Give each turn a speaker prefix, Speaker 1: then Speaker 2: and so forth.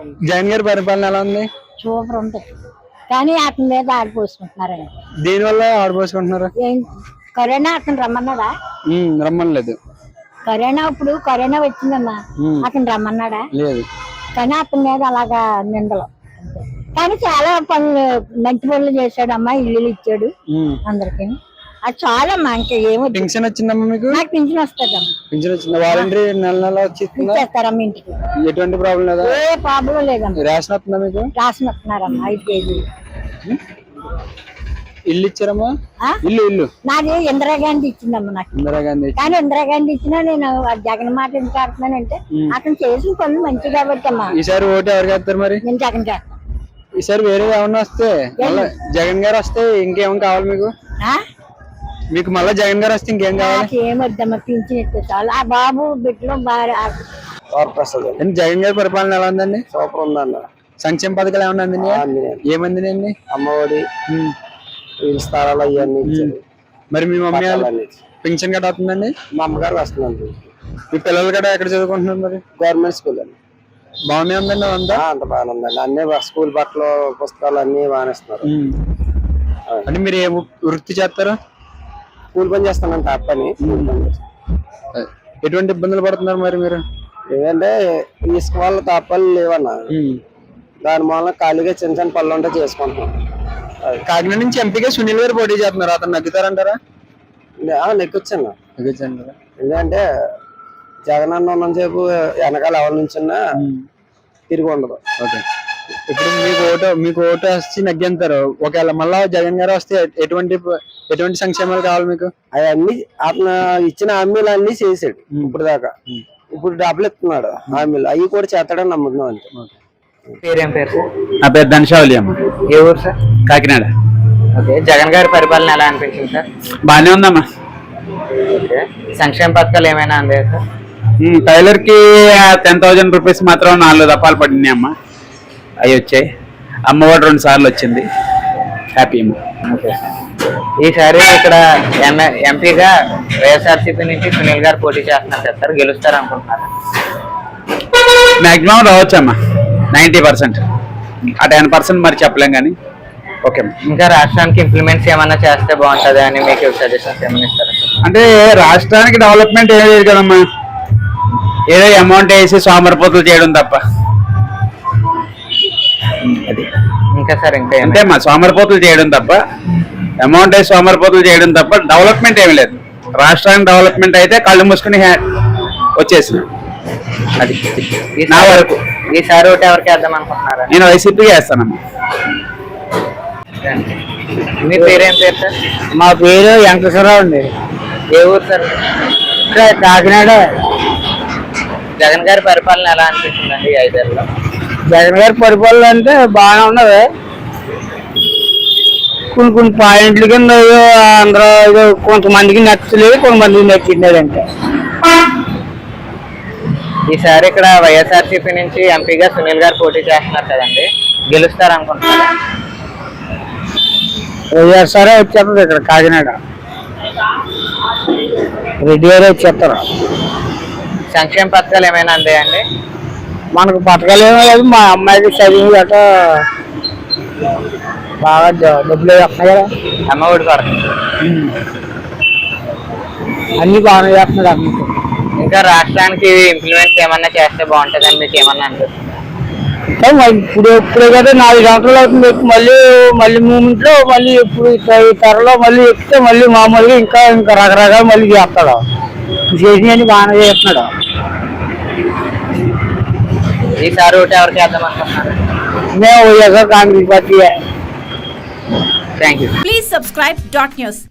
Speaker 1: జగన్ గారి పరిపాలన ఎలా ఉంది?
Speaker 2: సూపర్ ఉంది. కానీ అతని మీద ఆడిపోసుకుంటున్నారండి.
Speaker 1: దేని వల్ల ఆడిపోసుకుంటున్నారు?
Speaker 2: కరోనా అతను రమ్మన్నాడా?
Speaker 1: రమ్మనలేదు.
Speaker 2: కరోనా వచ్చిందమ్మా, అతను రమ్మన్నాడా?
Speaker 1: లేదు.
Speaker 2: కానీ అతని మీద అలాగా నిందలు. కానీ చాలా పనులు, మంచి పనులు చేశాడమ్మా. ఇల్లు ఇచ్చాడు అందరికి. అది చాలా ఇంకా ఏమో.
Speaker 1: పింఛన్ వచ్చిందమ్మా మీకు?
Speaker 2: నాకు పింఛన్ వస్తుందమ్మా.
Speaker 1: పింఛన్ వచ్చింది. వాలంటరీ నెల
Speaker 2: ఇచ్చేస్తారమ్మా ఇంటికి.
Speaker 1: ఎటువంటి ప్రాబ్లం లేదా?
Speaker 2: ఏ ప్రాబ్లం లేదమ్మా.
Speaker 1: రేషన్ వస్తుందా మీకు?
Speaker 2: రేషన్ వస్తున్నారమ్మా 5 కేజీలు.
Speaker 1: ఇల్లు ఇచ్చారమ్మా? ఇల్లు
Speaker 2: నాది ఇందిరాగాంధీ ఇచ్చిందమ్మా నాకు.
Speaker 1: ఇందిరాగాంధీ.
Speaker 2: కానీ ఇందిరాగాంధీ ఇచ్చినా నేను జగన్ మాట ఎందుకు ఆడుతున్నానంటే అతను చేసిన పనులు మంచి కాబట్టి అమ్మా.
Speaker 1: ఈసారి ఓటు ఎవరికి వేస్తారు మరి?
Speaker 2: నేను జగన్ చేస్తాను.
Speaker 1: ఈసారి వేరే ఏమన్నా వస్తే జగన్ గారు వస్తే ఇంకేం కావాలి మీకు? మీకు మళ్ళీ జగన్ గారు వస్తే ఇంకేం కావాలి?
Speaker 2: ఏమొద్దమ్మా, పింఛన్ ఇస్తే చాలు. ఆ బాబు బిడ్డలో
Speaker 1: జగన్ గారి పరిపాలన ఎలా ఉందండి?
Speaker 3: సూపర్ ఉందన్న.
Speaker 1: సంక్షేమ పథకాలు ఏమన్నా అందినాయి? ఏమందినాయండి?
Speaker 3: అమ్మఒడి, స్థలాలు అవన్నీ ఇచ్చారు.
Speaker 1: మరి మీ మమ్మీ పింఛన్ గట్రా వస్తుందండి?
Speaker 3: మా అమ్మగారు వస్తుందండి.
Speaker 1: మీ పిల్లలు కూడా ఎక్కడ చదువుకుంటున్నారు మరి?
Speaker 3: గవర్నమెంట్ స్కూల్ అండి.
Speaker 1: బాగానే ఉందండి.
Speaker 3: అంత బాగానే ఉందండి. అన్ని స్కూల్ బట్టలు, పుస్తకాలు అన్ని బాగానేస్తున్నారు.
Speaker 1: అంటే మీరు ఏ వృత్తి చేస్తారు?
Speaker 3: స్కూల్ పని చేస్తానంట. పని
Speaker 1: ఎటువంటి ఇబ్బందులు పడుతున్నారు మరి మీరు?
Speaker 3: ఏంటంటే ఇసుక వల్ల తాపాలు లేవన్నా. దాని మూలన ఖాళీగా చిన్న చిన్న పనులు ఉంటే చేసుకుంటున్నాం.
Speaker 1: కాకినాడ నుంచి ఎంపీగా సునీల్ గారు పోటీ చేస్తున్నారు. అతను నగ్గుతారంటారా?
Speaker 3: నెక్కొచ్చాను. ఎందుకంటే జగన్ అన్న ఉన్నసేపు వెనకాల ఎవరి నుంచిన్నా తిరిగి ఉండదు.
Speaker 1: ఓకే. ఇప్పుడు మీకు ఓటు వచ్చి నగ్గంటారు. ఒకవేళ మళ్ళా జగన్ గారు వస్తే ఎటువంటి సంక్షేమాలు కావాలి మీకు?
Speaker 3: అవన్నీ అతను ఇచ్చిన హామీలు అన్ని చేసాడు ఇప్పుడు దాకా. ఇప్పుడు డబ్బులు ఇస్తున్నాడు హామీలు, అవి కూడా చేస్తాడని నమ్ముతున్నాం అంతే.
Speaker 4: పేరేం పేరు సార్?
Speaker 1: నా పేరు ధనశావలి అమ్మ.
Speaker 4: ఏ ఊరు సార్?
Speaker 1: కాకినాడ.
Speaker 4: ఓకే. జగన్ గారి పరిపాలన ఎలా అనిపించింది సార్?
Speaker 1: బాగానే ఉందమ్మా.
Speaker 4: ఓకే. సంక్షేమ పథకాలు ఏమైనా అందాయా సార్?
Speaker 1: టైలర్ కి 10,000 రూపీస్ మాత్రం 4 దఫాలు పడినాయి అమ్మ. అవి వచ్చాయి. అమ్మఒడి 2 సార్లు వచ్చింది. హ్యాపీ అమ్మ.
Speaker 4: ఓకే. ఈసారి ఇక్కడ ఎంపీగా వైఎస్ఆర్సీపీ నుంచి సునీల్ గారు పోటీ చేస్తున్నారు సార్. గెలుస్తారు అనుకుంటున్నారు?
Speaker 1: మాక్సిమం రావచ్చు అమ్మా. 90%. ఆ 10% మరి చెప్పలేం కానీ ఓకే.
Speaker 4: ఇంకా రాష్ట్రానికి ఇంప్లిమెంట్స్ ఏమన్నా చేస్తే బాగుంటుంది అని మీకు సజెషన్స్ ఏమైనా ఇస్తారా?
Speaker 1: అంటే రాష్ట్రానికి డెవలప్మెంట్ ఏం లేదు కదమ్మా. ఏదో అమౌంట్ వేసి సోమరిపోతులు చేయడం తప్ప.
Speaker 4: అది ఇంకా సార్ ఇంకా
Speaker 1: అంటే మా సోమరిపోతులు చేయడం తప్ప, అమౌంట్ వేసి సోమరిపోతులు చేయడం తప్ప డెవలప్మెంట్ ఏమి లేదు. రాష్ట్రానికి డెవలప్మెంట్ అయితే కళ్ళు మూసుకుని వచ్చేసిన. అది నా వరకు.
Speaker 4: ఈసారి ఒకటి ఎవరికి వేద్దాం అనుకుంటున్నారా?
Speaker 1: నేను వైసీపీకి వేస్తానమ్మా.
Speaker 4: మీ పేరేం పేరు సార్?
Speaker 3: మా పేరు వెంకటేశ్వరరావు అండి.
Speaker 4: ఏ ఊరు సార్?
Speaker 3: కాకినాడ.
Speaker 4: జగన్ గారి పరిపాలన ఎలా అనిపిస్తుందండి 5 ఏళ్ళలో?
Speaker 3: జగన్ గారి పరిపాలన అంటే బాగానే ఉన్నది. కొన్ని పాయింట్ల కింద అందరూ కొంతమందికి నచ్చలేదు, కొంతమందికి నచ్చిందంటే.
Speaker 4: ఈసారి ఇక్కడ వైఎస్ఆర్సీపీ నుంచి ఎంపీగా సునీల్ గారు పోటీ చేస్తున్నారు కదండి, గెలుస్తారు అనుకుంటున్నారు?
Speaker 3: వైఎస్ఆర్ వచ్చేస్తుంది ఇక్కడ కాకినాడ. రెడ్డి గారు వచ్చేస్తారు.
Speaker 4: సంక్షేమ పథకాలు ఏమైనా అందాయండి?
Speaker 3: మనకు పథకాలు ఏమో లేదు. మా అమ్మాయికి చదివి గట్ట బాగా డబ్బులు వస్తున్నాయి కదా.
Speaker 4: అమ్మఒడి కొరకు
Speaker 3: అన్ని బాగానే చేస్తున్నాడు అమ్మ.
Speaker 4: ఇంకా రాష్ట్రానికి ఇంప్లిమెంట్స్ ఏమన్నా చేస్తే బాగుంటుందని మీకు ఏమన్నా అనిపిస్తుంది?
Speaker 3: ఇప్పుడే కదా 4 గంటలు అవుతుంది. మళ్ళీ మూమెంట్ లో మళ్ళీ ఇప్పుడు ఈ త్వరలో మళ్ళీ ఎక్కితే మళ్ళీ మామూలుగా ఇంకా రకరకాలు మళ్ళీ చేస్తాడు. చేసినవన్నీ బాగానే చేస్తున్నాడు.
Speaker 4: ఈసారి ఒకటి ఎవరికి వేద్దాం అనుకుంటున్నారు?
Speaker 3: మేము YSR Congress party.
Speaker 4: Thank you.
Speaker 5: Please subscribe .news.